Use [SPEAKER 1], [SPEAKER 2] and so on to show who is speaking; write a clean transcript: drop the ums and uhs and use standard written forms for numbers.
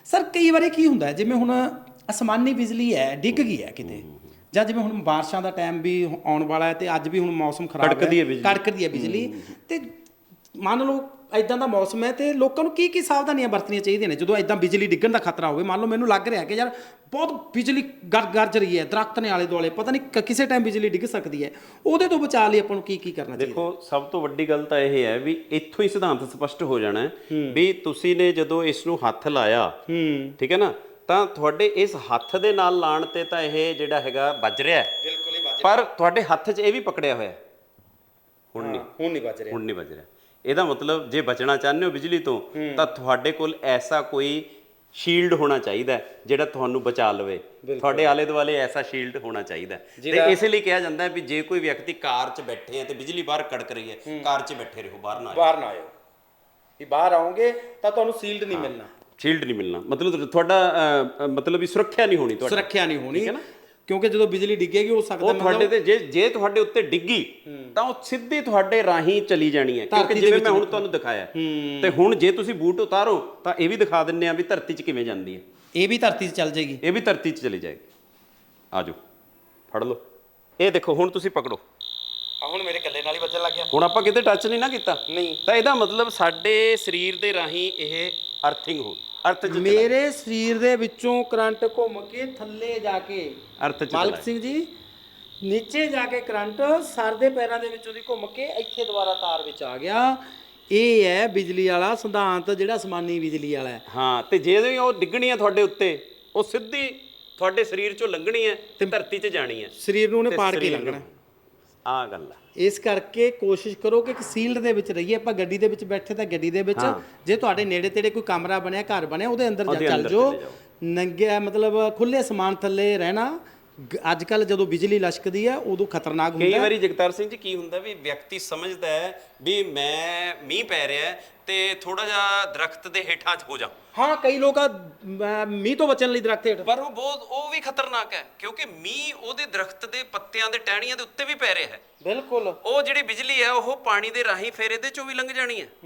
[SPEAKER 1] Sir ਕਈ ਵਾਰੀ ਕੀ ਹੁੰਦਾ ਜਿਵੇਂ ਹੁਣ ਅਸਮਾਨੀ ਬਿਜਲੀ ਹੈ ਡਿੱਗ ਗਈ ਹੈ ਕਿਤੇ, ਜਾਂ ਜਿਵੇਂ ਹੁਣ ਬਾਰਿਸ਼ਾਂ ਦਾ ਟਾਈਮ ਵੀ ਆਉਣ ਵਾਲਾ ਹੈ ਤੇ ਅੱਜ ਵੀ ਹੁਣ ਮੌਸਮ ਖਰਾਬ ਹੈ, ਕੜਕਦੀ ਹੈ ਬਿਜਲੀ, ਤੇ ਮੰਨ ਲਓ ਇਦਾਂ ਦਾ ਮੌਸਮ ਹੈ ਤੇ ਲੋਕਾਂ ਨੂੰ ਕੀ ਸਾਵਧਾਨੀਆਂ ਵਰਤਣੀਆਂ ਚਾਹੀਦੀਆਂ ਨੇ ਜਦੋਂ ਇਦਾਂ ਬਿਜਲੀ ਡਿੱਗਣ ਦਾ ਖਤਰਾ ਹੋਵੇ? ਮੰਨ ਲਓ ਮੈਨੂੰ ਲੱਗ ਰਿਹਾ ਕਿ ਯਾਰ ਬਹੁਤ ਬਿਜਲੀ ਗਰਜ ਰਹੀ ਹੈ, ਦਰਖਤ ਨੇ ਆਲੇ ਦੁਆਲੇ, ਪਤਾ ਨਹੀਂ ਕਿਸੇ ਟਾਈਮ ਬਿਜਲੀ ਡਿੱਗ ਸਕਦੀ ਹੈ, ਉਹਦੇ ਤੋਂ ਬਚਾਅ ਲਈ ਆਪਾਂ ਨੂੰ ਕੀ ਕਰਨਾ ਚਾਹੀਦਾ?
[SPEAKER 2] ਦੇਖੋ, ਸਭ ਤੋਂ ਵੱਡੀ ਗੱਲ ਤਾਂ ਇਹ ਹੈ ਵੀ ਇੱਥੋਂ ਹੀ ਸਿਧਾਂਤ ਸਪਸ਼ਟ ਹੋ ਜਾਣਾ ਵੀ ਤੁਸੀਂ ਨੇ ਜਦੋਂ ਇਸ ਨੂੰ ਹੱਥ ਲਾਇਆ, ਠੀਕ ਹੈ ਨਾ, ਤਾਂ ਤੁਹਾਡੇ ਇਸ ਹੱਥ ਦੇ ਨਾਲ ਲਾਣ ਤੇ ਤਾਂ ਇਹ ਜਿਹੜਾ ਹੈਗਾ ਵੱਜ ਰਿਹਾ ਹੈ,
[SPEAKER 1] ਬਿਲਕੁਲ ਹੀ ਵੱਜ ਰਿਹਾ,
[SPEAKER 2] ਪਰ ਤੁਹਾਡੇ ਹੱਥ 'ਚ ਇਹ ਵੀ ਪਕੜਿਆ ਹੋਇਆ, ਹੁਣ ਨਹੀਂ
[SPEAKER 1] ਵੱਜ ਰਿਹਾ,
[SPEAKER 2] ਹੁਣ ਨਹੀਂ ਵੱਜ ਰਿਹਾ। ਇਹਦਾ ਮਤਲਬ ਜੇ ਬਚਣਾ ਚਾਹੁੰਦੇ ਹੋ ਬਿਜਲੀ ਤੋਂ ਤਾਂ ਤੁਹਾਡੇ ਕੋਲ ਐਸਾ ਕੋਈ ਸ਼ੀਲਡ ਹੋਣਾ ਚਾਹੀਦਾ ਜਿਹੜਾ ਤੁਹਾਨੂੰ ਬਚਾ ਲਵੇ, ਤੁਹਾਡੇ ਆਲੇ ਦੁਆਲੇ ਐਸਾ ਸ਼ੀਲਡ ਹੋਣਾ ਚਾਹੀਦਾ। ਤੇ ਇਸੇ ਲਈ ਕਿਹਾ ਜਾਂਦਾ ਵੀ ਜੇ ਕੋਈ ਵਿਅਕਤੀ ਕਾਰ 'ਚ ਬੈਠੇ ਹੈ ਤੇ ਬਿਜਲੀ ਬਾਹਰ ਕੜਕ ਰਹੀ ਹੈ, ਕਾਰ 'ਚ ਬੈਠੇ ਰਹੋ, ਬਾਹਰ ਨਾ
[SPEAKER 1] ਆਇਓ, ਵੀ ਬਾਹਰ ਆਓਗੇ ਤਾਂ ਤੁਹਾਨੂੰ ਸ਼ੀਲਡ ਨਹੀਂ ਮਿਲਣਾ,
[SPEAKER 2] ਸ਼ੀਲਡ ਨਹੀਂ ਮਿਲਣਾ, ਮਤਲਬ ਤੁਹਾਡਾ ਮਤਲਬ ਵੀ ਸੁਰੱਖਿਆ ਨਹੀਂ ਹੋਣੀ, ਤੁਹਾਡੀ
[SPEAKER 1] ਸੁਰੱਖਿਆ ਨਹੀਂ ਹੋਣੀ, ਕਿਉਂਕਿ ਜਦੋਂ ਬਿਜਲੀ ਡਿੱਗੇਗੀ ਹੋ ਸਕਦਾ
[SPEAKER 2] ਤੁਹਾਡੇ ਤੇ ਜੇ ਤੁਹਾਡੇ ਉੱਤੇ ਡਿੱਗੀ ਤਾਂ ਉਹ ਸਿੱਧੀ ਤੁਹਾਡੇ ਰਾਹੀਂ ਚਲੀ ਜਾਣੀ ਹੈ, ਕਿਉਂਕਿ ਜਿਵੇਂ ਮੈਂ ਹੁਣ ਤੁਹਾਨੂੰ ਦਿਖਾਇਆ। ਤੇ ਹੁਣ ਜੇ ਤੁਸੀਂ ਬੂਟ ਉਤਾਰੋ ਤਾਂ ਇਹ ਵੀ ਦਿਖਾ ਦਿੰਨੇ ਆ ਵੀ ਧਰਤੀ 'ਚ ਕਿਵੇਂ ਜਾਂਦੀ ਹੈ,
[SPEAKER 1] ਇਹ ਵੀ ਧਰਤੀ 'ਚ ਚੱਲ ਜਾਏਗੀ,
[SPEAKER 2] ਇਹ ਵੀ ਧਰਤੀ 'ਚ ਚਲੀ ਜਾਏਗੀ। ਆ ਜਾਓ, ਫੜ ਲਓ, ਇਹ ਦੇਖੋ, ਹੁਣ ਤੁਸੀਂ ਪਕੜੋ,
[SPEAKER 1] ਹੁਣ ਮੇਰੇ ਕੱਲੇ ਨਾਲ ਹੀ ਵੱਜਣ ਲੱਗ ਗਿਆ,
[SPEAKER 2] ਹੁਣ ਆਪਾਂ ਕਿਤੇ ਟੱਚ ਨਹੀਂ ਨਾ ਕੀਤਾ,
[SPEAKER 1] ਨਹੀਂ,
[SPEAKER 2] ਤਾਂ ਇਹਦਾ ਮਤਲਬ ਸਾਡੇ ਸਰੀਰ ਦੇ ਰਾਹੀਂ ਇਹ ਅਰਥਿੰਗ ਹੋ ਅਰਥ 'ਚ
[SPEAKER 1] ਮੇਰੇ ਸਰੀਰ ਦੇ ਵਿੱਚੋਂ ਕਰੰਟ ਘੁੰਮ ਕੇ ਥੱਲੇ ਜਾ ਕੇ,
[SPEAKER 2] ਅਰਥ 'ਚ
[SPEAKER 1] ਮਾਲਕ ਸਿੰਘ ਜੀ, ਨੀਚੇ ਜਾ ਕੇ ਕਰੰਟ ਸਰ ਦੇ ਪੈਰਾਂ ਦੇ ਵਿੱਚੋਂ ਦੀ ਘੁੰਮ ਕੇ ਇੱਥੇ ਦੁਬਾਰਾ ਤਾਰ ਵਿੱਚ ਆ ਗਿਆ। ਇਹ ਹੈ ਬਿਜਲੀ ਵਾਲਾ ਸਿਧਾਂਤ ਜਿਹੜਾ ਅਸਮਾਨੀ ਬਿਜਲੀ ਵਾਲਾ ਹੈ।
[SPEAKER 2] ਹਾਂ, ਤੇ ਜੇ ਉਹ ਡਿੱਗਣੀ ਹੈ ਤੁਹਾਡੇ ਉੱਤੇ, ਉਹ ਸਿੱਧੀ ਤੁਹਾਡੇ ਸਰੀਰ 'ਚੋਂ ਲੰਘਣੀ ਹੈ ਤੇ ਧਰਤੀ 'ਚ ਜਾਣੀ ਹੈ,
[SPEAKER 1] ਸਰੀਰ ਨੂੰ ਉਹਨੇ ਪਾੜ ਕੇ ਲੰਘਣਾ।
[SPEAKER 2] ਆਹ ਗੱਲ ਆ।
[SPEAKER 1] ਇਸ ਕਰਕੇ ਕੋਸ਼ਿਸ਼ ਕਰੋ ਕਿ ਇੱਕ ਸੀਲਡ ਦੇ ਵਿੱਚ ਰਹੀਏ। ਆਪਾਂ ਗੱਡੀ ਦੇ ਵਿੱਚ ਬੈਠੇ ਤਾਂ ਗੱਡੀ ਦੇ ਵਿੱਚ, ਜੇ ਤੁਹਾਡੇ ਨੇੜੇ ਤੇੜੇ ਕੋਈ ਕਮਰਾ ਬਣਿਆ, ਘਰ ਬਣਿਆ, ਉਹਦੇ ਅੰਦਰ ਚੱਲ ਜਾਓ। ਨੰਗੇ ਮਤਲਬ ਖੁੱਲੇ ਸਮਾਨ ਥੱਲੇ ਰਹਿਣਾ ਅੱਜ ਕੱਲ ਜਦੋਂ ਬਿਜਲੀ ਲਸ਼ਕਦੀ ਹੈ ਉਦੋਂ ਖਤਰਨਾਕ ਹੁੰਦਾ।
[SPEAKER 2] ਕਈ ਵਾਰੀ ਜਗਤਾਰ ਸਿੰਘ ਜੀ ਕੀ ਹੁੰਦਾ ਵੀ ਵਿਅਕਤੀ ਸਮਝਦਾ ਹੈ ਵੀ ਮੈਂ ਮੀਂਹ ਪੈ ਰਿਹਾ ਤੇ ਥੋੜਾ ਜਿਹਾ ਦਰਖਤ ਦੇ ਹੇਠਾਂ ਹੋ ਜਾ।
[SPEAKER 1] ਹਾਂ, ਕਈ ਲੋਕ ਮੀਂਹ ਤੋਂ ਬਚਣ ਲਈ ਦਰਖਤ ਹੇਠ,
[SPEAKER 2] ਪਰ ਉਹ ਵੀ ਖਤਰਨਾਕ ਹੈ, ਕਿਉਂਕਿ ਮੀਂਹ ਉਹਦੇ ਦਰਖਤ ਦੇ ਪੱਤਿਆਂ ਦੇ ਟਹਿਣੀਆਂ ਦੇ ਉੱਤੇ ਵੀ ਪੈ ਰਿਹਾ ਹੈ।
[SPEAKER 1] ਬਿਲਕੁਲ,
[SPEAKER 2] ਉਹ ਜਿਹੜੀ ਬਿਜਲੀ ਹੈ ਉਹ ਪਾਣੀ ਦੇ ਰਾਹੀਂ ਫਿਰ ਇਹਦੇ ਚੋਂ ਵੀ ਲੰਘ ਜਾਣੀ ਹੈ।